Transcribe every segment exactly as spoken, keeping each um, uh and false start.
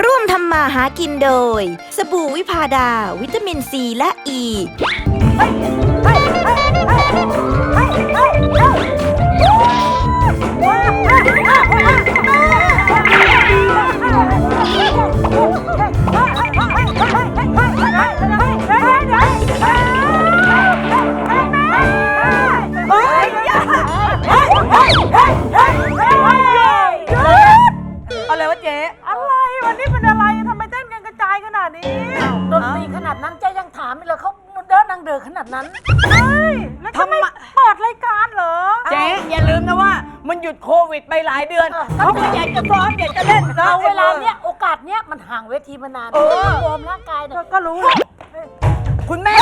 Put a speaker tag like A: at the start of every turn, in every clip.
A: ร่วมทำมาหากินโดยสบู่วิพาดาวิตามินซีและอ e. ี
B: อะไรวะเจ๊อะไรวันนี้เป็นอะไรทำไมเต้นกันกระจายขนาดนี้ดนตรีขนาดนั้นเจ๊ยังถามเลยเขาเดินนางเดินขนาดนั้นใช่แล้วทำไมเปิดรายการเหรอเจ๊อย่าลืมนะว่ามันหยุดโควิดไปหลายเดือนเขาก็อยากจะซ้อมอยากจะเล่นเอาเวลาเนี้ยโอกาสเนี้ยมันห่างเวทีมานานวอร์มร่างกายเนี่ยก็รู้คุณแม่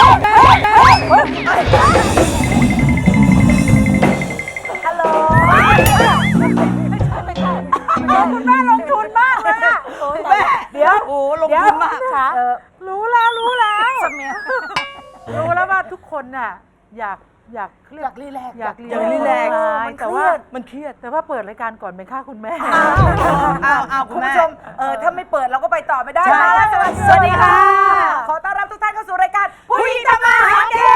B: ฮัลโหลคุณแม่ลงทุนมากเลยอะแม่เดี๋ยวโอ้ลงทุนมากค่ะรู้แล้วรู้แล้วรู้แล้วว่าทุกคนน่ะอยากอยากเครียดรีแลกซ์อยากรีแลกซ์แต่ว่ามันเครียดแต่ว่าเปิดรายการก่อนเป็นค่าคุณแม่อ้าวอ้าวคุณผู้ชมเออถ้าไม่เปิดเราก็ไปต่อไม่ได้สวัสดีค่ะขอต้อนรับทุกท่านเข้าสู่รายการผู้หญิงทำมาหากิน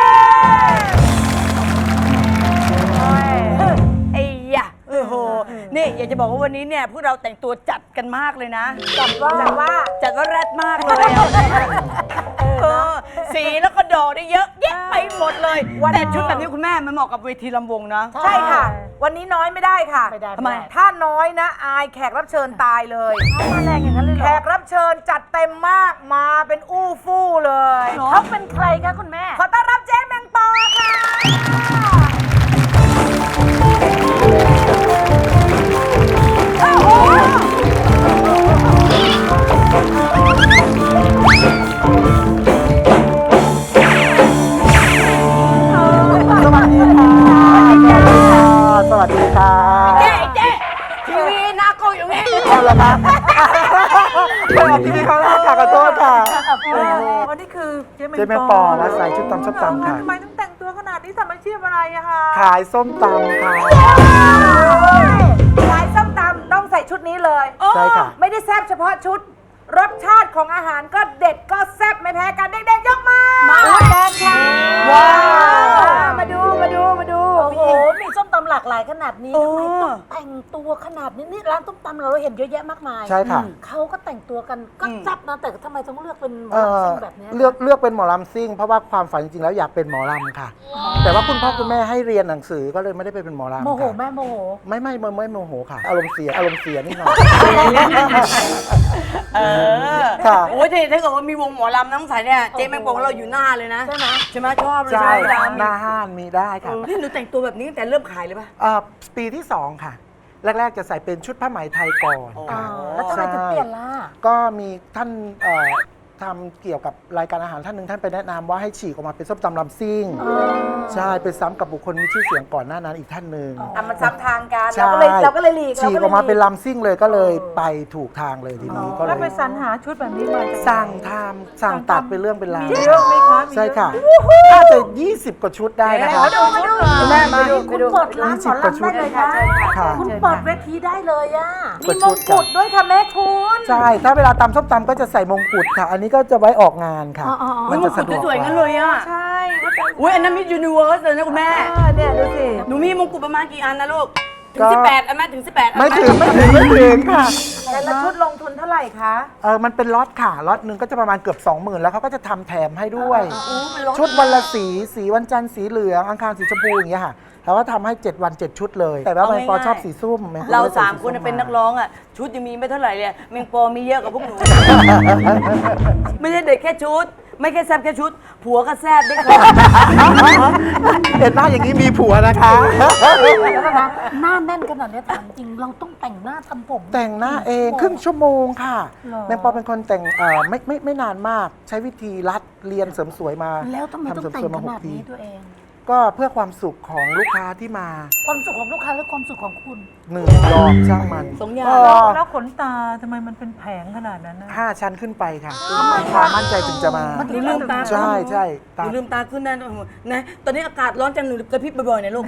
B: ไอ้ยะโอ้โหนี่อยากจะบอกว่าวันนี้เนี่ยพวกเราแต่งตัวจัดกันมากเลยนะจัดว่าจัดว่าจัดว่าแรดมากเลยเออสีแล้วก็ดอกได้เยอะแยะไปหมดเลยแต่ชุดแบบนี้คุณแม่มันเหมาะกับเวทีลำวงนะใช่ค่ะวันนี้น้อยไม่ได้ค่ะทำไมถ้าน้อยนะอายแขกรับเชิญตายเลยมาแรงอย่างนั้นเลยแขกรับเชิญจัดเต็มมากมาเป็นอู้ฟู่เลยเขาเป็นใครคะคุณแม่ขอต้อนรับเจ๊แมงปอค่ะ
C: สวัสดีค่ะ
B: เจ๊เจ๊ทีวีหน้าโกอยู่นี่
C: เอาละครับไม่ออกทีวีเขาแล้วค่ะขอโทษค่ะ
B: วันนี้คือเจ๊
C: แมงปอและใส่ชุดตำส้มตำค่ะ
B: ทำไมต้องแต่งตัวขนาดนี้ทำอาชีพอะไรอะคะ
C: ขายส้มตำค่ะ
B: ขายส้มตำต้องใส่ชุดนี้เลย
C: ใช่ค่ะ
B: ไม่ได้แซ่บเฉพาะชุดรสชาติของอาหารก็เด็ดก็แซ่บไม่แพ้กันเด็กๆยกมามาแดนค่ะว้าวมาดูมาดูมาดูโอ้โหมีส้มตำหลากหลายขนาดนี้ทำไมต้องแต่งตัวขนาดนี้นี่ร้านส้มตำเราเห็นเยอะแยะมากมาย
C: ใช่ค่ะ
B: เขาก็แต่งตัวกันก็แซ่บนะแต่ทำไมต้องเลือกเป็นหมอลำซิ่งแบบนี้
C: เลือกเลือกเป็นหมอลำซิ่งเพราะว่าความฝันจริงๆแล้วอยากเป็นหมอลำค่ะแต่ว่าคุณพ่อคุณแม่ให้เรียนหนังสือก็เลยไม่ได้ไปเป็นหมอลำ
B: โมโหแม่โมโห
C: ไม่ไม่ไม่ไม่โมโหค่ะอารมณ์เสียอารมณ์เสียนิดหน่อย
D: เออค่ะโอ้ยถ้าเกิดว่ามีวงหมอลำน้ำใสเนี่ยเจ๊แมงปองเราอยู่หน้าเลยนะใช่ไหมใช่ไหมชอบเลย
C: ใช่
D: ไหม
C: หน้าห้านมีได้ค่ะ
D: นี่หนูแต่งตัวแบบนี้ตั้งแต่เริ่มขายเลยป่ะ
C: อ่าปีที่สองค่ะแรกๆจะใส่เป็นชุดผ้าไหมไทยก่อนค่ะ
B: แล้วทำไมถึงเปลี่ยนล่ะ
C: ก็มีท่านทำเกี่ยวกับรายการอาหารท่านหนึ่งท่านไปแนะนำว่าให้ฉีกออกมาเป็นส้มตำลำซิ่งใช่เป็นซ้ำกับบุคคลมีชื่อเสียงก่อนหน้านั้นอีกท่านหนึ่ง
B: อ่ะมันซ้ำทางกันเราก็เลยเราก็เลยหลีก
C: ฉีกออกมาเป็นลำซิ่งเลยก็เลยไปถูกทางเลยทีนี้ก็เลย
B: แล้วไปสรรหาชุดแบบนี้มา
C: สั่งทำสั่งตัดเป็นเรื่องเป็นราว
B: เยอะไหมคะ
C: ใช่ค่ะน่าจะยี่สิบกว่าชุดได้นะคะ
B: มาดูมาดูแม่มาดูคุณเปิดร้านหมอลำได้เลยค่ะคุณเปิดเวทีได้เลยอ่ะมีมงกุฎด้วยค่ะแม่คุณ
C: ใช่ถ้าเวลาตำส้มตำก็จะใส่มงกุฎค่ะอันนี้ก็จะไว้ออกงานค่ะ
D: มันจะสะดวกสวยงั้นเลยอ่ะ
B: ใช่
D: อุ้ยอันนั้นมิสยูนิเวิร์สเลยนะคุณแม่
B: เนี่ยดูสิ
D: หนูมีมงกุฎประมาณกี่อันนะลูกถึงสิบแปดอันไหมถึงสิบแปด
C: ไม่ถึงไม่ถึงไม่ถึงค่ะ
B: แต่ละชุดลงทุนเท่าไหร่คะ
C: เออมันเป็นล็อตค่ะล็อตหนึ่งก็จะประมาณเกือบสองหมื่นแล้วเขาก็จะทำแถมให้ด้วยชุดวันละสีสีวันจันทร์สีเหลืองอังคารสีชมพูอย่างเงี้ยค่ะแล้วก็ทำให้เจ็ดวันเจ็ดชุดเลยแต่ว่าแมงปอชอบสีส้ม
D: เราสามคนเป็นนักร้องอ่ะชุดยังมีไม่เท่าไหร่เลยแมงปอมีเยอะกว่าพวกหนูไม่ใช่เด็กแค่ชุดไม่แค่แซบแค่ชุดผัวก็แซบได้ค่ะ
C: เห็นหน้าอย่างนี้มีผัวนะคะ
B: หน้าแน่นขนาดนี้ถามจริงเราต้องแต่งหน้าทำผม
C: แต่งหน้าเองครึ่งชั่วโมงค่ะแมงปอเป็นคนแต่งเอ่อไม่ไม่ไม่นานมากใช้วิธีรัดเรียนเสริมสวยมา
B: แล้วทำไมต้องแต่งขนาดนี้ตัวเอง
C: ก็เพื่อความสุขของลูกค้าที่มา
B: ความสุขของลูกค้าและความสุขของคุณ
C: หนึ่งยอมช่างมัน
D: สองอย่าง
B: แล้วขนตาทำไมมันเป็นแผงขนาดนั้นนะ
C: ห้าชั้นขึ้นไปค่ะลูกค้ามั่นใจถึงจะมา
D: หนูลืมตา
C: ใช่ใช่
D: หนูลืมตาขึ้นนั่นนะตอนนี้อากาศร้อนจังหนูกระพริบบ่อยๆนะลูก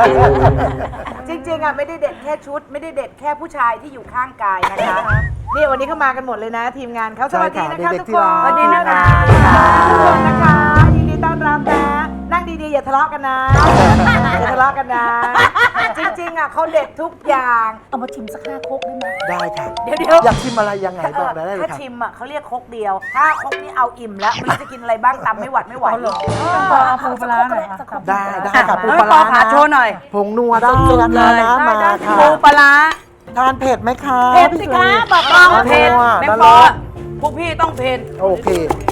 B: จริงๆอ่ะไม่ได้เด็ดแค่ชุดไม่ได้เด็ดแค่ผู้ชายที่อยู่ข้างกายนะคะนี่วัน
E: วันนี้เข้ามากันหมดเลยนะ ทีมงานเขาส
C: ใช่
E: วัสดี
C: ค่ะ
E: นะคะ
C: เด็
E: ทุ
C: ก
E: ก
C: ๆที่
E: คน
C: ร้าน
E: สวัสดีนะคะ
C: ค่ะ
E: ทุกคนนะคะยินดีต้อนรับนะนั่งดีๆอย่าทะเลาะกันนะอย่าทะเลาะกันนะ จริงๆอ่ะเขาเด็ดทุกอย่างเอามาชิมสักห้าครกได้ไหม
C: ได้ค่ะ
E: เดี๋ยวเดี๋ยว
C: อยากชิมอะไรยังไงบอกได้เลย
E: ถ้า
C: ค่ะ
E: ชิมอ่ะเขาเรียกครกเดียว ถ้าครกนี้เอาอิ่มแล้วไม่รู้จะกินอะไรบ้างตำไม่หวัดไม่ไหวเหรอเอาปูปลาหน่อย
C: ได้ได้ค่ะปู
B: แล้ว
C: ป
B: ป
C: ลา
B: อ
C: ร้า
B: ขาโชว์หน่อย
C: ผงนัวได้นะคะน้ำมาค่ะ
B: ปูปลาร้า
C: ทานเผ็ดไหมคะ
E: เผ็ดสิคะบอก
B: ต้
E: ต้
B: อ
E: อง ง
B: เผ็ด
C: นัว
B: แม่
C: นั่น
B: ปอ
C: แหละ
B: พวกพี่ต้องเผ็ด
C: โอเค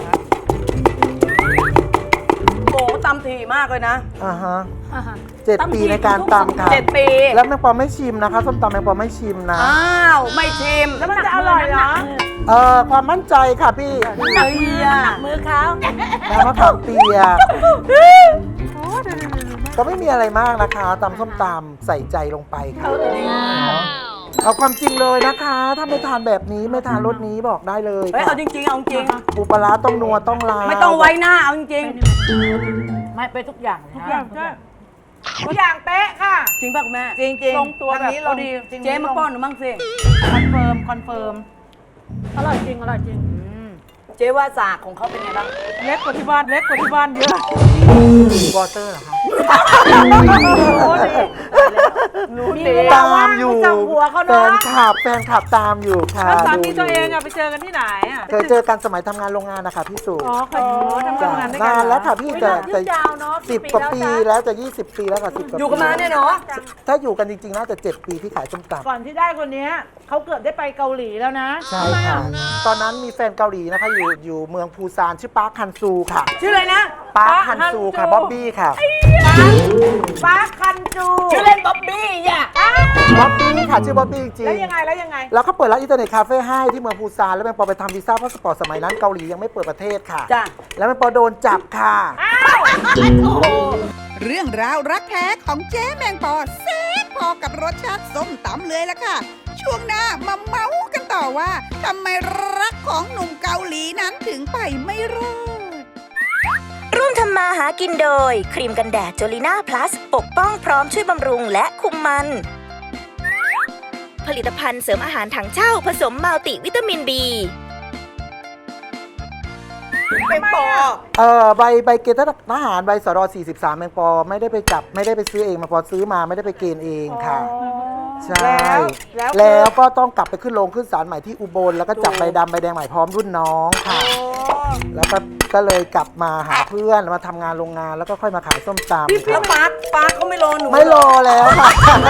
B: โอ้โหตำถี่มากเลยนะ
C: อ่าฮะเจ็ดปีในการตำค่ะ
B: เจ็ดปี
C: แล้วแมงปอไม่ชิมนะคะส้มตำแมงปอไม่ชิมนะ
B: อ้าว ไม่ชิม
E: แล้วมันจะอร่อยเหรอ
C: เอ่อความมั่นใจค่ะพี่
B: เฮ้ยอะ
E: มือเขา
C: น้ำมะขามเปียกก็ไม่มีอะไรมากนะคะตำส้มตำใส่ใจลงไปค่ะเอาความจริงเลยนะคะ ถ้าไม่ทานแบบนี้ไม่ทานรสนี้บอกได้เลย
B: เฮ้ย
C: ค่ะ
B: เอาจริงๆ เอาจริง
C: ปูปลาร้าต้องนัวต้องลา
B: ไม่ต้องไว้หน้า เอาจริง
E: ไม่ไปทุกอย่างทุกอย่างทุกอย่างทุกอย่างเป๊ะค่ะ
B: ๆ จริงป่ะคุณแม่
E: จริงจริง
B: ลงตัวแบบ
E: ทางนี้ลง
B: พอดี
E: จริง
B: เจ๊มาป้อนหนูมั่งสิ
E: คอนเฟิร์มคอนเฟิร์มอร่อยจริงอร่อยจริง
B: เจ๊ว่าสากของเขาเป็นไงบ้าง
E: เล็กกว่าที่บ้านเล็กกว่าที่บ้านเยอะ
C: วอเตอร์เหรอคะ
E: รู้ดี
C: ตามอยู่
E: จับหัวเขา
C: แฟ
E: เนาะ
C: นคลับแฟนคลับตามอยู่ค่ะ
E: แล้วสามี
C: ดู
E: ตัวเอง
C: ยู่
E: อะไปเจอกันที่ไหนอะ
C: เคยเจอกันสมัยทำงานโรงงานนะคะพี่สุ
E: อ๋อเคยอยู่ทำ
C: จ้ะ
E: งานด้วยกัน
C: นานแล้วค่ะพี่แต่แต่
E: ยาวเนาะ
C: สิบกว่าปีแล้วจะยี่สิบปีแล้วค่ะสิบกว่าปี
B: อยู่กันมาเนี่ยเนาะ
C: ถ้าอยู่กันจริงๆน่าจะเจ็ดปีที่ขายส้มตำ
E: ก่อนที่ได้คนเนี้ยเขาเกือบได้ไปเกาหลีแล้วนะ
C: ใช่ค่ะ ตอนนั้นมีแฟนเกาหลีนะคะ อยู่อยู่เมืองปูซานชื่อปาร์คฮันซูค่ะ
B: ชื่ออะไรนะ
C: ปาร์คฮันซูค่ะบ๊อบบี้ค่ะ
E: ปาร์คคันจู
B: ชื่อเล่นบ๊อบบี้อ่ะ
C: บ๊อบบี้ค่ะชื่อบ๊อบบี้จริง
E: แล้วยังไงแล้วยังไง
C: แล้วเขาเปิดร้านอินเทอร์เน็ตคาเฟ่ให้ที่เมืองปูซานแล้วแมงปอไปทำวีซ่าพาสปอร์ตสมัยนั้นเกาหลียังไม่เปิดประเทศค่ะ
B: จ้ะ
C: แล้วแมงปอโดนจับค่ะ
F: เรื่องราวรักแท้ของเจ๊แมงปอแซ่บพอกับรสชาติส้มตำเลยล่ะค่ะ ช่วงหน้ามาเมาส์กันต่อว่าทำไมรักของหนุ่มเกาหลีนั้นถึงไปไม่รอด
A: ร่วมทำมาหากินโดย ครีมกันแดดจลิน่าพลัสปกป้องพร้อมช่วยบำรุงและคุมมัน ผลิตภัณฑ์เสริมอาหารถังเช่าผสมมัลติวิตามิน บี
B: เป็นปอ
C: เออใบใบเกณฑ์ทหารใบสรสี่สิบสามแมงปอไม่ได้ไปจับไม่ได้ไปซื้อเองแมงปอซื้อมาไม่ได้ไปเกณฑ์เองค่ะ ใช่
E: แล้ว
C: แล้วก็ต้องกลับไปขึ้นโรงขึ้นศาลใหม่ที่อุบลแล้วก็จับใบดำใบแดงใหม่พร้อมรุ่นน้องค่ะ แล้วก็ก็เลยกลับมาหาเพื่อนมาทำงานโรงงานแล้วก็ค่อยมาขายส้มตำ
B: แล้วปาร์คปาร์คเขาไม่รอหนู
C: ไม่รอแล้วค่ะ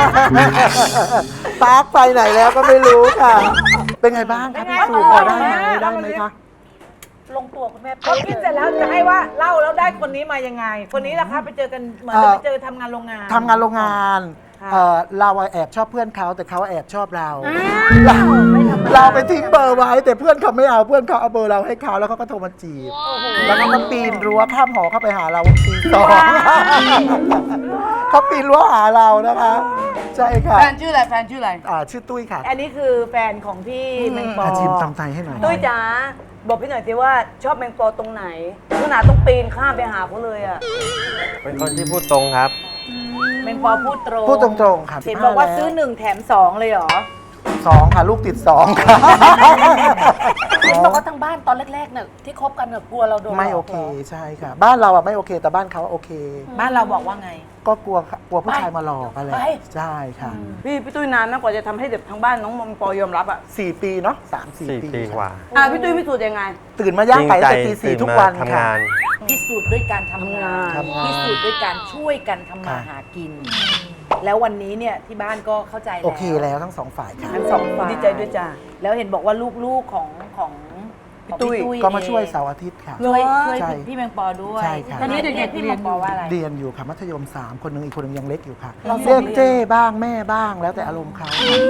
C: ปาร์คไปไหนแล้วก็ไม่รู้ค่ะ เป็นไงบ้างคะพี่สูพอได้ไหมได้ไหมคะ
E: ลงตัวคุณแม่เขาคิดเสร็จแล้วจะให้ว่าเล่าแล้วได้คนนี้มายังไง คนนี้ล่ะคะไปเจอกันเหมือน
C: เอ่อ
E: ไปเจอทำงานโรงงาน
C: ทำงานโรงงาน
E: ค่ะ
C: เอ่อเราอะแอบชอบเพื่อนเขาแต่เขาแอบชอบเรา เราเราไปทิ้งเบอร์ไว้ แต่เพื่อนเขาไม่เอาเพื่อนเขาเอาเบอร์เราให้เขาแล้วเขาก็โทรมาจีบแล้วก็มาปีนรั้วข้ามหอเข้าไปหาเราปีสองเขาปีนรั้วหาเรานะคะ ใช่ค่ะ
B: แฟนชื่ออะไร แฟนชื่ออะไร
C: อ่าชื่อตุ้ยค่ะ
E: อันนี้คือแฟนของพี่แมงปอ
C: อาชิมตำไทยให้หน่อย
B: ตุ้ยจ๋าบอกพี่หน่อยสิว่าชอบแมงปอตรงไหนขนาดต้องปีนข้ามไปหาเขาเลยอ่ะ
G: เป็นคนที่พูดตรงครับ
E: แมงปอพูดตรง
C: พูดตรงๆค่ะ
E: เห็นบอกว่าซื้อหนึ่งแถมสองเลยเหรอ
C: สองค่ะ ลูกติดสองค่ะ
E: เห็นบอกว่าทั้งบ้านตอนแรกๆเนี่ยที่คบกันเนี่ยกลัวเราโดน
C: ไม่โอเคใช่ค่ะ บ้านเราอะไม่โอเค แต่บ้านเขาโอเค
E: บ้านเราบอกว่าไง
C: ก็กลัวกลัวผู้ชายมาหลอกอะไร
E: ไป
C: ใช่ค่ะ
B: พี่พี่ตุ้ยนานมากกว่าจะทำให้เด็กทางบ้านน้องแมงปอยอมรับอ่ะ
C: สี่ปีเนาะสามสี่
G: สี่
C: ปี
G: ปีกว่า
B: อ่ะพี่ตุ้ยพิสูจน์ยังไง
C: ตื่นมาย่างไก่
G: จริงใจ
C: แต่ตีสี่
G: ตื่น
C: ทุก
G: มา
C: วัน
G: ทำ
C: ค่ะ
G: งาน
E: พิสูจน์ด้วยการทำงาน
C: ทำงาน
E: พิสูจน์ด้วยการช่วยกันทำมา
C: ค่ะ
E: หากิน แล้ววันนี้เนี่ยที่บ้านก็เข้าใจแล้ว
C: โอเคแล้วทั้งสองฝ่ายค่ะ
E: ทั้งสองฝ่าย
B: ดีใจด้วยจ้า
E: แล้วเห็นบอกว่าลูกๆของของของ
B: พี่ตุ้ย
C: ก็มาช่วย
E: เอง
C: เสาร์อาทิตย์ค่ะ
E: ช่วยช่วย
C: ใช่
E: พี่แมงปอด้วย
C: ใช่ค่ะ
E: ตอนนี้เด็กๆพี่แมงปอว่าอะไร
C: เรียนอยู่ค่ะมัธยมสามคนหนึงอีกคนหนึงยังเล็กอยู่ค่ะ
E: เราส่
C: เรีย
E: ง
C: ก
E: เรียน
C: เจ้บ้างแม่บ้างแล้วแต่อารมณ์เขา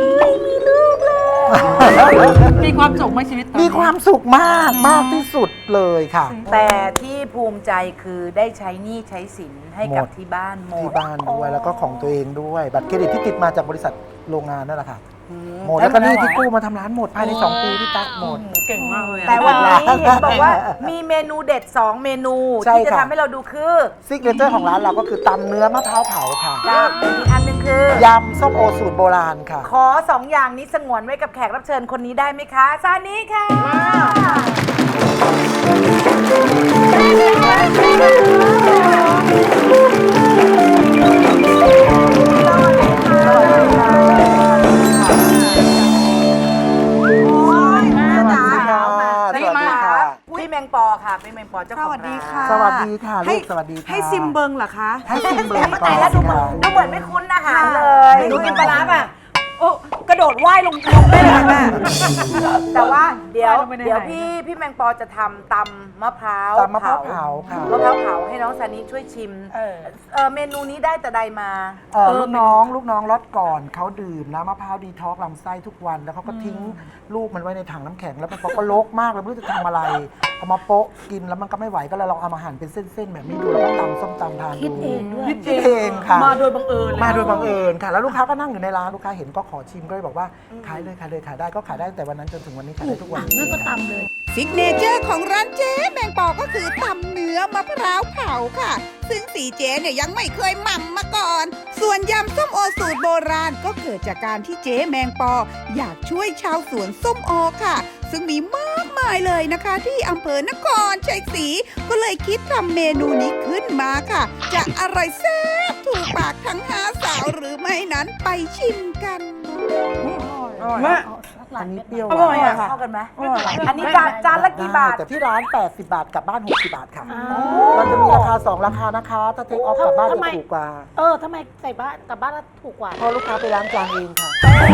E: มีความสุขไหมชีวิต
C: มีความสุขมากมากที่สุดเลยค่ะ
E: แต่ที่ภูมิใจคือได้ใช้หนี้ใช้สินให้กับ
C: หมด
E: ที่บ้านหม
C: ที่
E: ด
C: บ้านด้วยแล้วก็ของตัวเองด้วย บัตรเครดิตที่ติดมาจากบริษัทโรงงานนั่นแหละค่ะหมดแล้วก็หนี่ที่กู้มาทำร้านหมดภายในสองปีพี่ตั๊กหมด
B: เก่งมากเลยอะ
E: แต่วันนี้เห็นบอกว่ามีเมนูเด็ด สอง เมนู
C: ใช่
E: ที่จะ
C: ค่ะ
E: ทำให้เราดูคือ
C: ซิกเนเจอร์ของร้านเราก็คือตำเนื้อมะพร้าวเผาค่ะ
E: กับอีกอันหนึ่งคือย
C: ำส้มโอสูตรโบราณค่ะ
E: ขอสองอย่างนี้สงวนไว้กับแขกรับเชิญคนนี้ได้ไหมคะซานี้ค่ะ
C: สวัสดีค่ะ สวัสดีค่ะ
E: พี่แมงปอค่ะพี่แมงปอเจ้าของร้าน
C: สวัสดีค่ะลูกสวัสดีค่ะ
D: ให้ซิมเบิงเหรอคะ
C: ให้ซิมเบิร์
E: แต่แล้วดูเหมือนดูเหมือนไม่คุ้นอาหารเลย
B: ดูกินปลาร้าป่ะโอ้กระโดดว่ายลงลงได้เลยแม่
E: แต่ว่าเดี๋ยว
B: ไม่ได้
E: เดี๋ยว
B: ไหน
E: พี่พี่แมงปอจะทำตำมะพร้าว
C: ตำมะพร้าวเผาค่ะ
E: มะพร้าวเผาให้น้องซานิช่วยชิมเออเมนูนี้ได้แต่ใดมา
C: เอ่อลูกน้องลูกน้องรถก่อนเขาดื่มน้ำมะพร้าวดีท็อกซ์ลำไส้ทุกวัน แล้วเขาก็ทิ้งลูกมันไว้ในถังน้ำแข็งแล้วมันก็ลกมากเลยไม่รู้จะทำอะไรเอามาโปะกินแล้วมันก็ไม่ไหวก็เลยลองเอามาหั่นเป็นเส้นๆแบบนี้ดูแล้วก็ตำส้มตำทานดูคิดเองด้วยคิดเองค่ะ
B: มาโดยบังเอิญเลย
C: มาโดยบังเอิญค่ะ แล้วลูกค้าก็นั่งอยู่ในร้านลูกค้าเห็นก็ขอชิมก็เลยบอกว่าขายเลยขายเลยขายได้ก็ขายได้ตั้งแต่วันนั้นจนถึงวันนี้ขายได้ทุกวันนี้ก็ตำเลย
F: ซิกเนเจอร์ของร้านเจ๊แมงปอก็คือตำเนื้อมะพร้าวเผาค่ะ ซึ่งสีเจ๊เนี่ยยังไม่เคยหม่ำมาก่อน ส่วนยำส้มโอสูตรโบราณก็เกิดจากการที่เจ๊แมงปอ อยากช่วยชาวสวนส้มโอค่ะ ซึ่งมีมากมายเลยนะคะ ที่อำเภอนครชัยศรีก็เลยคิดทำเมนูนี้ขึ้นมาค่ะ จะอร่อยแซ่บถูกปากทั้งหาสาวหรือไม่นั้นไปชิมกัน
B: แม่
C: อันนี้เปรี้ยว
B: อร่อยอะ
C: ค่ะ
E: เข้ากันไหมอันนี้จานจานละกี่บาท
C: แต่ที่ร้าน แปดสิบบาทกลับบ้าน หกสิบบาทค่ะเราจะมีราคา สอง ราคานะคะ ถ้าเทคออฟกลับบ้านจะถูกกว่า
H: เออทำไมใส่บ้านกลับบ้านแล้วถูกกว่า
C: เพราะลูกค้าไปล้างจานเองค่ะ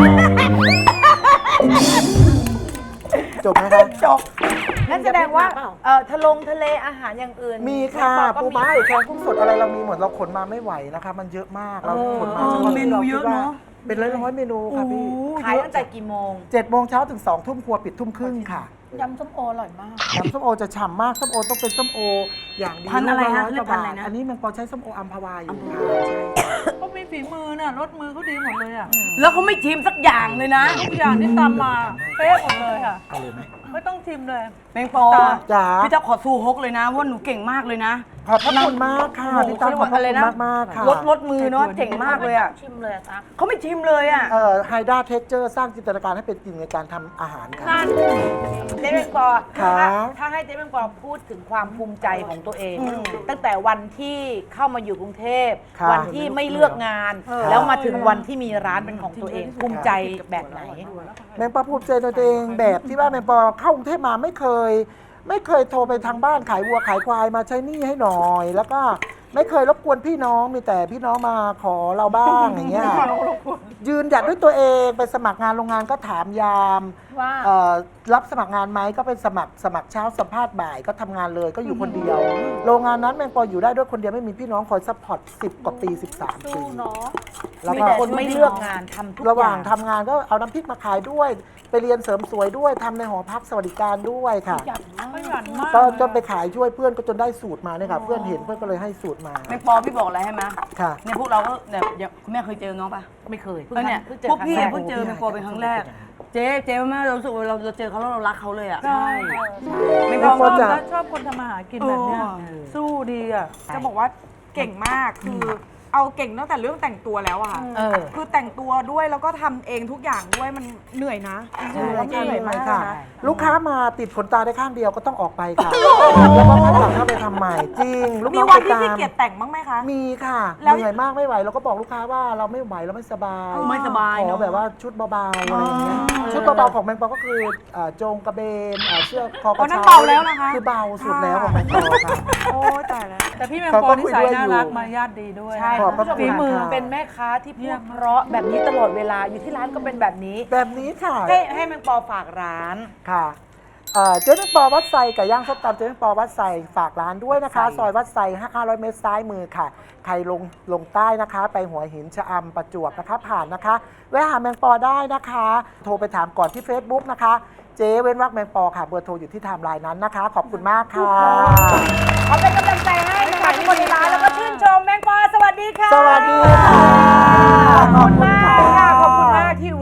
C: จบไหมคะ
E: จบนั่นแสดงว่าเออทะลงทะเลอาหารอย่างอื่น
C: มีค่ะ
E: แมงปอก็
C: ปูม้าหรือแกงกุ้งสดอะไรเรามีหมดเราขนมาไม่ไหวนะคะ มันเยอะมากเราขนมาฉพาะ
B: เมนูเยอะเนอะ
C: เป็นร้อยร้อยๆเมนูค่ะพี่
E: ขายตั้งแต่กี่โมง
C: เจ็ดโมงเช้าถึงสองทุ่มครัวปิดทุ่มครึ่งค่ะ
H: ยำส้มโออร่อยมาก
C: น้ำส้มโอจะฉ่ำมากส้มโอต้องเป็นส้มโออย่างดี
B: พันธุ์อะไร
C: ลูก
B: นะ
C: ร้อย
B: เรียก
C: กว่า
B: พันธุ์อะไร
C: บาท
B: นะ
C: อันนี้มันปอใช้ส้มโออัมพวาอยู่ค่ะใช่
I: เขามีฝีมือน่ะรสมือเขาดีหมดเลยอ่ะ
B: แล้วเขาไม่ชิมสักอย่างเลยนะ
I: ทุกอย่างที่ตามมาเป๊ะหมดเลยค่ะ
C: เอาเลยไหม
I: ไม่ต้องชิมเลย
B: แมงปอ
C: จ๋า
B: พี่เจ้าขอสู้ฮกเลยนะว่าหนูเก่งมากเลยนะ
C: ขอบพระคุณมากค่ะ
B: โอ้โห
C: พี่ตั้งขอบพระ
B: อะไร
C: คุณ
B: นะ
C: มากมากๆค่ะ
B: ลดลดมือเนาะเจ๋งมากเลยอ่ะ
H: ชิมเลยอะตั๊ก
B: เขาไม่ชิมเลยอ่ะ
C: เอ่อไฮด้าเทคเจอร์สร้างจินตนาการให้เป็นจริงในการทำอาหารค่ะ
E: เจ๊แมงปอ
C: ค่ะ
E: ถ้าถ้าให้เจ๊แมงปอพูดถึงความภูมิใจของตัวเอง ตั้งแต่วันที่เข้ามาอยู่กรุงเทพ
C: ค่ะ
E: วันที่ไม่เลือกงาน แล้วมาถึงวันที่มีร้านเป็นของตัวเอง ภูมิใจแบบไหน
C: แมงปอภูมิใจในตัวเองแบบที่ว่าแมงปอเข้ากรุงเทพมาไม่เคย ไม่เคยโทรไปทางบ้านขายวัวขายควายมาใช้หนี้ให้หน่อย แล้วก็ไม่เคยรบกวนพี่น้องมีแต่พี่น้องมาขอเราบ้างอย่างเงี้ยยืนหยัดด้วยตัวเองไปสมัครงานโรงงานก็ถามยาม
H: ว่า
C: เอ่อรับสมัครงานไหมก็เป็นสมัครสมัครเช้าสัมภาษณ์บ่ายก็ทำงานเลยก็อยู่คนเดียว โรงงานนั้นแมงปออยู่ได้ด้วยคนเดียวไม่มีพี่น้องคอยซัพพอร์ตสิบกว่าปีสิบสามปี
H: เนาะ
C: แล้ว
E: มี
C: ก็
E: แต่คนไม่เลือกงานทำทุก
C: ระห
E: อ
C: ว่า
E: ย่าง ง
C: ทำงานก็เอาน้ำพริกมาขายด้วย ไปเรียนเสริมสวยด้วยทำในหอพักสวัสดิการด้วยค่ะ
H: อยากมาก
I: ขยันมาก
C: ก็จนไปขายช่วยเพื่อนก็จนได้สูตรมาเนี่ยค่ะเพื่อนเห็นเพื่อนก็เลยให้สูตรมา
B: แมงปอพี่บอกอะไรให้ไหม
C: ค่ะ
B: เนี่ยพวกเราก็แบบเดี๋ยวคุณแม่เคยเจอน้องปะ
E: ไม่เคย
B: เออเนี่ย
E: พิ่งเจอ
B: พวกพี่
E: ครั้งแร
B: เพิ่งเจอแมงปอเป็นครั้งแรก เจ๊เจ๊แม่เรารู้สึกว่าเราเราเจอเขาแล้วเรารักเขาเลยอ่ะ
I: ใช่
B: แมง
C: แม
B: ปอง
C: ปอ
I: ชอบ
C: จะ
I: นะชอบคนทำอาหารกินแบบเนี้ย
B: โอ้
I: สู้ดีอ่ะ
J: จะบอกว่าเก่งมากคือเอาเก่งตั้งแต่เรื่องแต่งตัวแล้วอะค่ะ
E: เออ
J: คือแต่งตัวด้วยแล้วก็ทำเองทุกอย่างด้วยมันเหนื่อยนะ
C: เหนื่อย
J: จริงๆ
C: เหนื่อย
J: มาก
C: ค่ะ
J: นะ
C: ลูกค้ามาติดขนตาได้ข้างเดียวก็ต้องออกไปค่ะแล้วก็ข้างหลังเข้าไปทำใหม่จริงลูก
J: มี
C: น้อง
J: วัน
C: ไป
J: ที่
C: ตา
J: ขี้
C: ม
J: เกียจแต่งบ้างไหมคะ
C: มีค่ะ
J: แล้ว
C: เหนื่อยมากไม่ไหวเราก็บอกลูกค้าว่าเราไม่ไหวเราไม่สบาย
B: ไม่สบาย
C: ขอ
B: เนาะ
C: แบบว่าชุดเบาๆอะไรอย่างเงี้ยชุดเบาๆของแมงปอก็คือเอ่อโจงกระเบนเอ่อเสื้อคอก
J: อ๋
C: ระ
J: อนั่น
C: เช้า
J: เบาแล้วนะคะ
C: คือเบาสุดแล้วของแมงปอค่ะ
J: โอ้ยตายแล้ว
I: แต่พี่แมง
C: เขา
I: ป
C: ก็
I: อนิ
C: คุย
I: สัย
C: ด้วย
I: น่า
C: อยู่
I: รักมารยาทดีด้วย
E: ใช่
C: ขอบพระ
E: คุณ
C: คุณ
E: ผู้ชม
C: ค่ะ
E: เป็นแม่ค้าที่พูดเพราะแบบนี้ตลอดเวลาอยู่ที่ร้านก็เป็นแบบนี้
C: แบบนี้ค่ะ
E: ให้ให้แมงปอฝากร้าน
C: ค่ะเอ่อเจ๊แมงปอวัดไซไก่ย่างส้มตำเจ๊แมงปอวัดไซฝากร้านด้วยนะคะ ซอยวัดไซห้าร้อยเมตรซ้ายมือค่ะ ใครลงลงใต้นะคะ ไปหัวหินชะอำประจวบนะคะ ผ่านนะคะแวะหาแมงปอได้นะคะ โทรไปถามก่อนที่ Facebook นะคะ เจ๊เว้นวักแมงปอค่ะ เบอร์โทรอยู่ที่ไทม์ไลน์นั้นนะคะ ขอบคุณมากค่ะ
E: ขอเป็นกำลังใจให้นะคะทุกคนในร้านแล้วก็ชื่นชมแมงปอสวัสดีค่ะ
C: สวัสดีค่ะ
E: ขอบคุณมากค่ะขอบคุณมากที่วันนี้ยก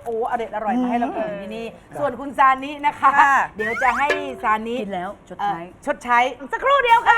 E: โอ้อร่อยอร่อยมาให้เรากินที่นี่ส่วนคุณซานินะคะ
B: ค่ะ
E: เดี๋ยวจะให้ซานิ
D: กินแล้วชด
E: เอ่อ
D: ใช้
E: ชดใช้สักครู่เดียวค่ะ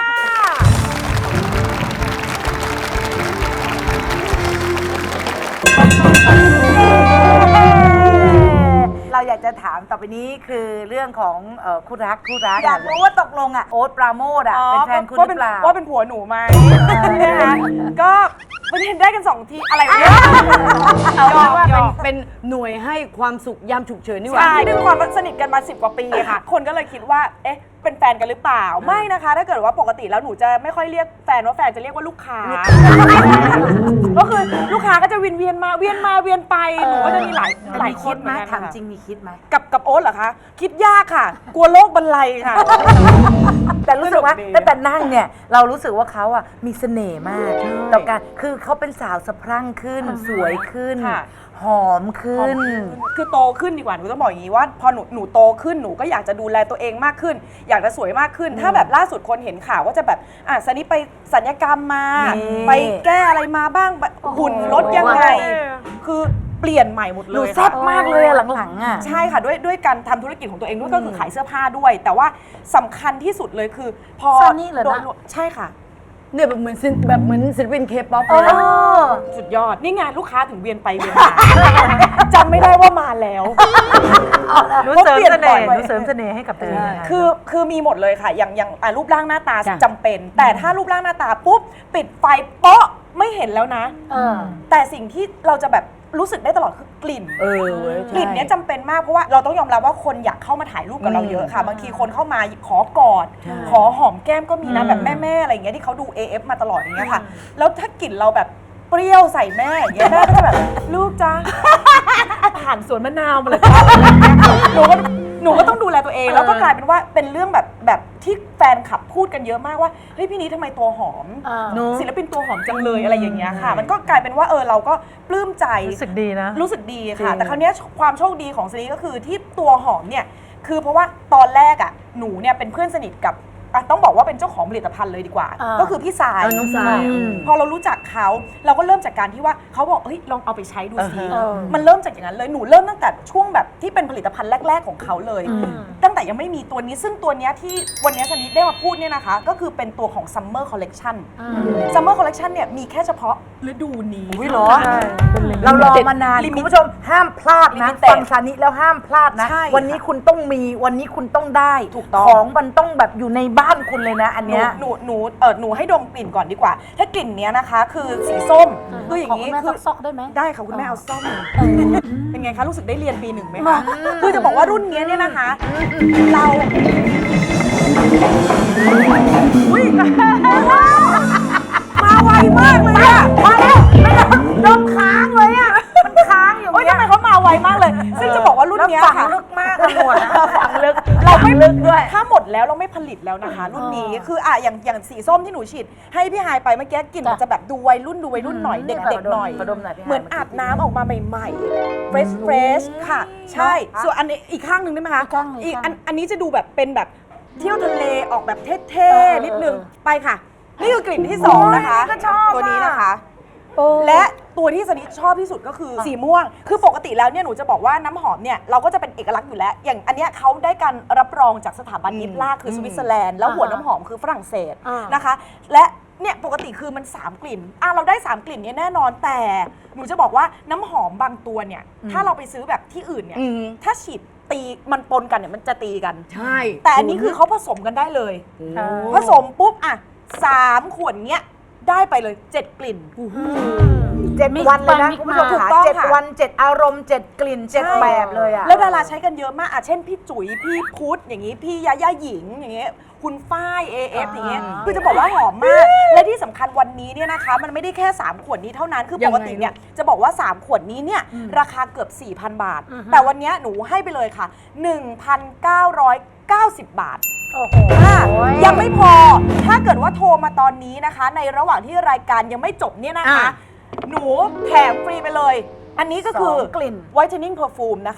E: เราอยากจะถามต่อไปนี้คือเรื่องของเอ่อคู่รักคู่รักอยากรู้ว่าตกลงอ่ะโอ๊ตปราโมทอ่ะเป็นแฟนคุณหรือเปล่า
J: ว่าเป็นผัวหนูไหมนะคะก็ประเด็นได้กันสองทีอะไรวะเนี่ย
D: เอาเป็นว่าเป็นเป็นหน่วยให้ความสุขยามฉุกเฉินนี่หว่า
J: ใช่ด้วยความสนิทกันมาสิบกว่าปีค่ะ คนก็เลยคิดว่า เอ๊ะ เป็นแฟนกันหรือเปล่า ไม่นะคะ ถ้าเกิดว่าปกติแล้วหนูจะไม่ค่อยเรียกแฟนว่าแฟนจะเรียกว่าลูกค้า ก็คือลูกค้าก็จะเวียนเวียนมาเวียนมาเวียนไป หนูก็จะมีหลายหลายคนเหมือนกัน
E: ถาม
J: ค่ะ
E: จริงมีคิดไหม
J: กับกับโอ๊ตเหรอคะ คิดยากค่ะ กลัวโลกบรรลัยค่ะ
E: แต่รู้สึกว่า
J: สนุกดี
E: ตั้งแต่นั่งเนี่ยเรารู้สึกว่าเขาอ่ะมีเสน่ห์มากต่อการคือเขาเป็นสาวสะพรั่งขึ้น สวยขึ้น
J: ค่ะ
E: หอมขึ้น
J: คือโตขึ้นดีกว่าหนูต้องบอกอย่างนี้ว่าพอหนูหนูโตขึ้นหนูก็อยากจะดูแลตัวเองมากขึ้น อยากจะสวยมากขึ้น ถ้าแบบล่าสุดคนเห็นข่าวว่าจะแบบอ่ะซันนี่ไปสัญญกรรมมา
E: นี่
J: ไปแก้อะไรมาบ้างแบบหุ่นลดยังไง คือเปลี่ยนใหม่หมดเลย
E: หนูแซ่บมากเลยอะหลังๆอ่ะ
J: ใช่ค่ะด้วยด้วยการทำธุรกิจของตัวเองด้วยก็คือขายเสื้อผ้าด้วย แต่ว่าสำคัญที่สุดเลยคือ พอ
H: ซันนี่เหรอนะ
J: โดใช่ค่ะ
D: เนี่ยแบบเหมือนศิลป์แบบเหมือนศิลปินเคป๊อปเลยนะ
J: สุดยอดนี่ไงานลูกค้าถึงเวียนไปเวียนมาจำไม่ได้ว่ามาแล้ว
I: หนูเสริมเสน่ห์หนูเสริมเสน่ห์ให้กับตัวเองนะคะ
J: คือคือมีหมดเลยค่ะ อย่างอย่างอ่ะรูปร่างหน้าตา
D: จ้ะ
J: จำเป็น แต่ถ้ารูปร่างหน้าตาปุ๊บ ปิดไฟเป๊ะไม่เห็นแล้วนะ
H: เออ
J: แต่สิ่งที่เราจะแบบรู้สึกได้ตลอดคือกลิ่น
D: เออเว้ย
J: กลิ่นเนี้ยจำเป็นมากเพราะว่าเราต้องยอมรับว่าคนอยากเข้ามาถ่ายรูปกับเราเยอะค่ะ บางทีคนเข้ามาขอกอด ขอหอมแก้มก็มีนะแบบแม่ๆอะไรอย่างเงี้ยที่เขาดู เอ เอฟ มาตลอดอย่างเงี้ยค่ะ แล้วถ้ากลิ่นเราแบบเปรี้ยวใส่แม่อย่างเงี้ยแม่ก็จะแบบลูกจ้าผ่านสวนมะนาวมาเลยจ้าหนูก็หนูก็ต้องดูแลตัวเองแล้วก็กลายเป็นว่าเป็นเรื่องแบบแบบที่แฟนคลับพูดกันเยอะมากว่าเฮ้ยพี่นี้ทำไมตัวหอม
H: อ่า
J: ศิลปินตัวหอมจังเลยอะไรอย่างเงี้ยค่ะ มันก็กลายเป็นว่าเออเราก็ปลื้มใจ
I: รู้สึกดีนะ
J: รู้สึกดีค่ะ
I: จริง
J: แต่คราวเนี้ยความโชคดีของซีรีส์ก็คือที่ตัวหอมเนี่ยคือเพราะว่าตอนแรกอ่ะหนูเนี่ยเป็นเพื่อนสนิทกับอ่ะต้องบอกว่าเป็นเจ้าของผลิตภัณฑ์เลยดีกว่า
H: อ่า
J: ก็คือพี่สาย
D: เออน้องสาย
J: อืมพอเรารู้จักเขาเราก็เริ่มจากการที่ว่าเขาบอกเฮ้ยลองเอาไปใช้ดูสิ
H: เออ
J: มันเริ่มจากอย่างนั้นเลยหนูเริ่มตั้งแต่ช่วงแบบที่เป็นผลิตภัณฑ์แรก ๆของเขาเลย ตั้งแต่ยังไม่มีตัวนี้ซึ่งตัวเนี้ยที่วันเนี้ยสนิทได้มาพูดเนี่ยนะคะ ก็คือเป็นตัวของ Summer Collection Summer Collection เนี่ยมีแค่เฉพาะฤดูนี้
E: อุ๊ยเหรอ
I: ใช่เป็นลิมิต
E: เรารอมานาน
J: ลิมิต
E: คุณผู้ชมห้ามพลาดนะ
J: Limited
E: ฟังซานิแล้วห้ามพลาดนะ
J: ใช่
E: วันนี้คุณต้องมีวันนี้คุณต้องได้
J: ถูกต้อง
E: ของมันต้องแบบอยู่ในบ้านคุณเลยนะ อัน
J: หนู
E: เนี้ย
J: หนูหนูเออหนูให้ดมกลิ่นก่อนดีกว่า ถ้ากลิ่นเนี้ยนะคะ คือสีส้มคืออย่าง
H: นี้
J: นี้
H: แม่
J: คือ
H: ซอกๆได้ไหม
J: ได้ค่ะคุณแม่เอาส้มเป็นไงคะรู้สึกได้เรียนปีหนึ่งไหมคะคือจะบอกว่ารุ่นเนี้ยเนี่ยนะคะ เราอุ้ยมาไวมากเลยอะมาแล้วไม่ได้ดมค้างเลยอะมันค้างอยู่เนี่ยทำไมเขามาไวมากเลย ซึ่งจะบอกว่ารุ่นเนี้ย
E: แล้วฝั
J: ค่ะ
E: งลึกมากอะหมวดนะ
J: ฝังลึกเราไม่ลึกด้วยถ้าหมดแล้วเราไม่ผลิตแล้วนะคะ รุ่นนี้คืออ่ะอย่างอย่างสีส้มที่หนูฉีดให้พี่ฮายไปเมื่อกี้กลิ่นมันจะแบบดูวัยรุ่นดูวัยรุ่นหน่อยเด็กๆหน่อย
E: มาดมหน่อยพี่ฮาย
J: เหมือนอาบน้ำออกมาใหม่ๆ fresh fresh ค่ะ ใช่ ส่วนอันนี้อีกข้างหนึ่งได้ไหมคะ
H: อีกข้างหนึ่ง
J: อีก
H: อีก
J: อั
H: ข้าง
J: นอันนี้จะดูแบบเป็นแบบเที่ยวทะเลออกแบบเท่ๆนิดนึงไปค่ะ นี่คือกลิ่นที่สองนะคะ
E: โอ้ยนี่ก็ชอบ
J: ตัวนี้
E: อะ
J: นะคะ และตัวที่สนิทชอบที่สุดก็คือสีม่วง คือปกติแล้วเนี่ยหนูจะบอกว่าน้ำหอมเนี่ยเราก็จะเป็นเอกลักษณ์อยู่แล้ว อย่างอันเนี้ยเขาได้การรับรองจากสถาบันยิปลาคือสวิตเซอร์แลนด์แล้วหัวน้ำหอมคือฝรั่งเศส
H: อ่าน
J: นะคะ และเนี่ยปกติคือมันสามกลิ่นอ่ะเราได้สามกลิ่นเนี้แน่นอนแต่หนูจะบอกว่าน้ำหอมบางตัวเนี่ยถ้าเราไปซื้อแบบที่อื่นเนี่ยถ้าฉีดตีมันปนกันเนี่ยมันจะตีกัน
D: ใช่
J: แต่อันนี้คือเขาผสมกันได้เลย ผสมปุ๊บอ่ะสามขวดเนี้ยได้ไปเลยเจ็ดกลิ่น
E: เจ็ดวันเลยนะ
H: มิกซ์
E: คุณผู้ชม
J: ถูก
E: ค่ะ
J: ต้อง
E: เจ็ด
J: ค่ะ
E: วันเจ็ดอารมณ์เจ็ดกลิ่นเจ็ดแบบเลยอ่ะ
J: แล้วดาราใช้กันเยอะมากอ่ะเช่นพี่จุ๋ยพี่พุทธอย่างนี้พี่ยาย่าหญิงอย่างเงี้ยคุณฝ้าย เอ เอฟ อย่างเงี้ยคือจะบอกว่าหอมมาก และที่สำคัญวันนี้เนี่ยนะคะ มันไม่ได้แค่สามขวดนี้เท่านั้นคือปกติเนี่ยจะบอกว่าสามขวดนี้เนี่ยราคาเกือบ สี่พัน บาท แต่วันเนี้ยหนูให้ไปเลยค่ะ หนึ่งพันเก้าร้อยเก้าสิบ บาท
H: โอ้โห
J: อ่ะยังไม่พอ ถ้าเกิดว่าโทรมาตอนนี้นะคะ ในระหว่างที่รายการยังไม่จบเนี่ยนะคะ หนูแถมฟรีไปเลย อันนี้ก็คือ
E: สองกลิ่น
J: whitening perfume นะคะ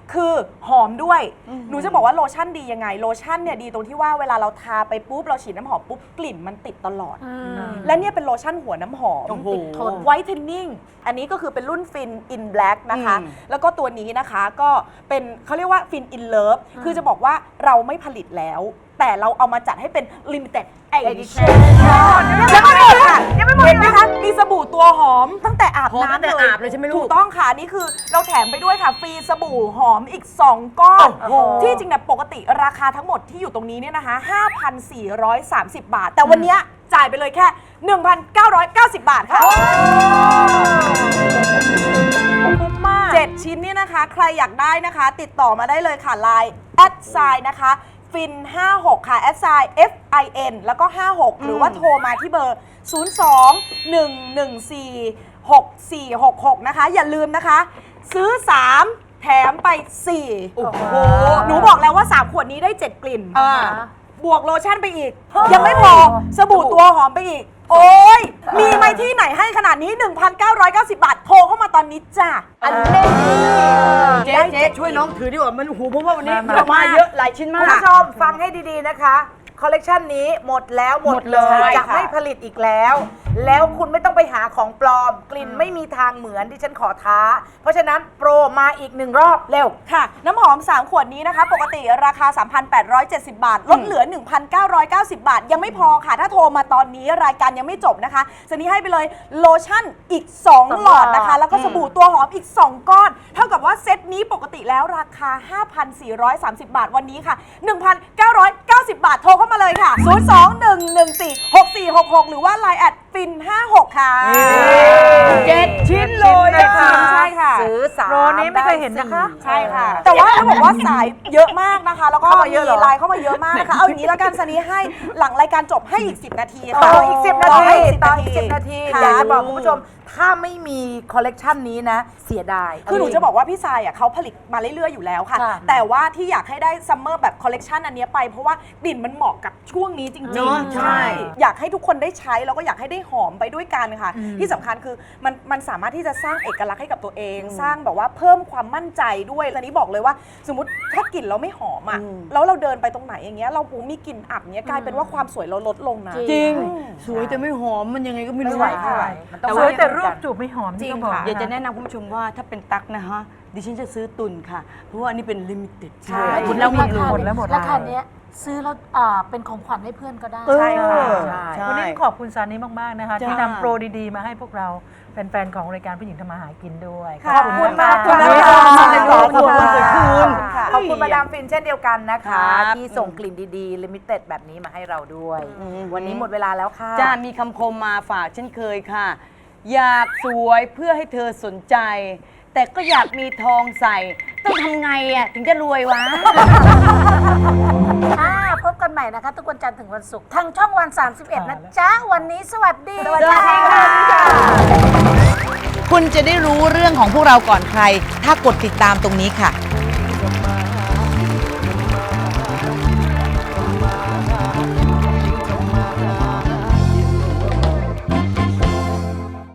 J: คือหอมด้วย หนูจะบอกว่าโลชั่นดียังไง โลชั่นเนี่ยดีตรงที่ว่าเวลาเราทาไปปุ๊บเราฉีดน้ำหอมปุ๊บกลิ่นมันติดตลอด และเนี่ยเป็นโลชั่นหัวน้ำหอมติดทนไวท์เทนนิ่งอันนี้ก็คือเป็นรุ่นฟินอินแบล็กนะคะ แล้วก็ตัวนี้นะคะก็เป็นเขาเรียกว่าฟินอินเลิฟคือจะบอกว่าเราไม่ผลิตแล้ว แต่เราเอามาจัดให้เป็น limited edition ยังไม่หมดค่ะเห็นไหมคะมีสบู่ตัวหอมตั้งแต่อาบน้ำเลยถูกต้องค่ะนี่คือเราแถมไปด้วยค่ะฟรีสบู่หอมอีกสองก้อนที่จริงเนี่ยปกติราคาทั้งหมดที่อยู่ตรงนี้เนี่ยนะคะ ห้าพันสี่ร้อยสามสิบ บาท แต่วันเนี้ยจ่ายไปเลยแค่ หนึ่งพันเก้าร้อยเก้าสิบ บาทค่ะคุ้มมากเจ็ดชิ้นเนี่ยนะคะใครอยากได้นะคะติดต่อมาได้เลยค่ะ ไลน์ แอดไซน์ นะคะฟินห้าหกค่ะ แอดไซน์ เอฟ ไอ เอ็น แล้วก็ห้าหกหรือว่าโทรมาที่เบอร์ ศูนย์ สอง หนึ่ง หนึ่ง สี่ หก สี่ หก หก นะคะอย่าลืมนะคะซื้อ สาม แถมไป สี่ โอ้โหหนูบอกแล้วว่า สาม ขวดนี้ได้ เจ็ด กลิ่นบวกโลชั่นไปอีก ยังไม่พอสบู่ตัวหอมไปอีก โอ้ยมีไหมที่ไหนให้ขนาดนี้ หนึ่งพันเก้าร้อยเก้าสิบ บาทโทรเข้ามาตอนนี้จ้ะอันนี้
D: เจ๊เจ๊ช่วยน้องถือดีกว่ามันหูเพราะว่าวันนี้เรามาเยอะหลายชิ้นมา
E: คุณ
D: ก
E: ผู้ชมฟังให้ดีๆนะคะ คอลเลกชันนี้หมดแล้วหมดเลย
J: ใช่
E: จะ
J: ค่ะ
E: ไม่ผลิตอีกแล้ว แล้วคุณไม่ต้องไปหาของปลอม กลิ่นไม่มีทางเหมือนที่ฉันขอท้า เพราะฉะนั้นโปรมาอีกหนึ่งรอบเร็ว
J: ค่ะน้ำหอม สาม ขวดนี้นะคะ ปกติราคา สามพันแปดร้อยเจ็ดสิบ บาท ลดเหลือ หนึ่งพันเก้าร้อยเก้าสิบ บาท ยังไม่พอค่ะ ถ้าโทรมาตอนนี้รายการยังไม่จบนะคะซันนี่ให้ไปเลยโลชั่นอีก สอง หลอดนะคะ แล้วก็สบู่ตัวหอมอีก สอง ก้อน เท่ากับว่าเซตนี้ปกติแล้วราคา ห้าพันสี่ร้อยสามสิบ บาทวันนี้ค่ะ หนึ่งพันเก้าร้อยเก้าสิบ บาทโทรเข้ามาเลยค่ะ ศูนย์ สอง หนึ่ง หนึ่ง สี่ หก สี่ หก หก หรือว่า ไลน์ แอดฟินห้าหกค่ะ
D: เจ็ดชิ้นเลยนะคะ
J: ใช่ค่ะ
E: ซื้อสาม
I: โปรนี้ไม่เคยเห็นนะคะ
J: ใช่ค่ะ แต่ว่าเขาบอกว่าสายเยอะมากนะคะ แล้วก็
E: เข้ามาเยอะเหรอ
J: ไลน์เข้ามาเยอะมากนะคะ เอาอย่างนี้แล้วกันซันนี่ให้หลังรายการจบให้อีก สิบ นาที
E: ต่
J: ค่ะ
E: ออีกสิบนา
J: ต่อ
E: ที
J: ให้อีก
E: ต่อ
J: สิ
E: อี
J: บ
E: กสิบนาที
J: ค่ะ
E: อยากจะบอกคุณผู้ชม ถ้าไม่มีคอลเลกชันนี้นะ เสียดาย
J: คือหนูจะบอกว่าพี่ทรายอ่ะเขาผลิตมาเรื่อยๆอยู่แล้วค่ะ
E: ค่ะ
J: แต่ว่าที่อยากให้ได้ซัมเมอร์แบบคอลเลกชันอันเนี้ยไปเพราะว่ากลิ่นมันเหมาะกับช่วงนี้จริง
D: เนอะ
J: ๆ
D: ใช่
J: อยากให้ทุกคนได้ใช้แล้วก็อยากให้ได้หอมไปด้วยกันค่ะ ที่สำคัญคือมันมันสามารถที่จะสร้างเอกลักษณ์ให้กับตัวเอง สร้างแบบว่าเพิ่มความมั่นใจด้วยตอนนี้บอกเลยว่า สมมติถ้ากลิ่นเราไม่หอมอ่ะแล้วเราเดินไปตรงไหนอย่างเงี้ยเราหูมีกลิ่นอับเงี้ยกลายเป็นว่าความสวยเราลดลงนะ
D: จริง สวยแต่ไม่หอมมันยังไงก็ไม่
E: ไม่
D: รู้
E: ไหวไม่ไหวมันต้อง
I: สวยแต่
E: มา
I: รู
E: กั
I: ป
E: น
I: จูบไม่หอม
J: จริง
I: ที่เขาบอก
J: ค่ะ
D: อยากจะแนะนำคุณผู้ชมว่าถ้าเป็นตั๊กนะฮะดิฉันจะซื้อตุนค่ะ เพราะว่าอันนี้เป็นลิมิเต็ด
J: ใช่
D: คุณแล้วหมดเลย
I: หมดแล้วหมดแล้ว
H: ราคาเนี้ยซื้อแล้วอ่าเป็นของขวัญให้เพื่อนก็ได้
J: ใช่ค่ะ
D: ใช่
I: วันนี้ขอบคุณซานี่มาก ๆ นะคะ
D: จ้า
I: ที่นำโปรดี ๆ มาให้พวกเราแฟน ๆ ของรายการผู้หญิงทำมาหากินด้วย
J: ขอบคุณมาก
I: ขอบ
J: ค่ะ
I: คุณมาก
D: ขอบคุณค่ะ
J: ค่ะ
E: ขอบคุณมาดามฟินเช่นเดียวกันนะคะ
D: ครับ
E: ที่ส่งกลิ่นดีๆลิมิเต็ดแบบนี้มาให้เราด้วย
D: อืม
E: วันนี้หมดเวลาแล้วค่ะ
D: จ้ามีคำคมมาฝากเช่นเคยค่ะ อยากสวยเพื่อให้เธอสนใจ แต่ก็อยากมีทองใส่ ต้องทำไงอ่ะถึงจะรวยวะ
H: ค่ะพบกันใหม่นะคะ ทุกวันจันทร์ถึงวันศุกร์ทางช่องวัน สามสิบเอ็ด นะจ๊ะ วันนี้สวัสดี
D: สวัสดีค่ะ
K: คุณจะได้รู้เรื่องของพวกเราก่อนใคร ถ้ากดติดตามตรงนี้ค่ะ